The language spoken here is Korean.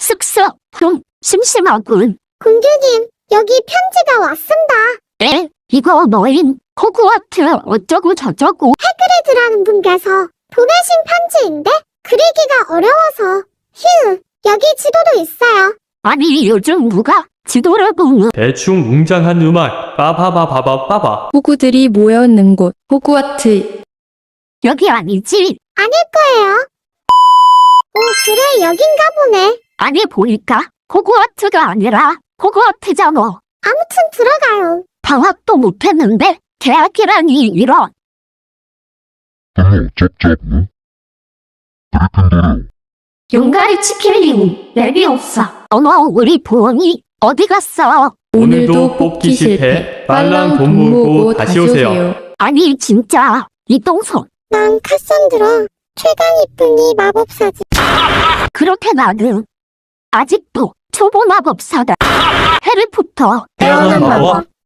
쓱쓱 좀 심심하군. 공주님, 여기 편지가 왔습니다. 에? 이거 너인 호그와트 어쩌고 저쩌고. 해그리드라는 분께서 보내신 편지인데 글이기가 어려워서. 휴, 여기 지도도 있어요. 아니 요즘 누가 지도를 보는. 대충 웅장한 음악 빠바바바바바바. 호구들이 모여있는 곳 호그와트. 여기 아니지? 아닐 거예요. 오, 그래, 여긴가 보네. 아니 보니까 호그와트가 아니라 호그와트잖아. 아무튼 들어가요. 방학도 못했는데 대학이라니 이런. 용가리 치킨링 레비오사. 어머 우리 부엉이 어디 갔어? 오늘도 뽑기 실패. 빨랑 돈 모으고 다시 오세요. 아니 진짜 이동선. 난 카산드라, 최강 이쁜이 마법사지. 그렇게 나는 아직도 초보 마법사다. 해리포터 태어난 마법.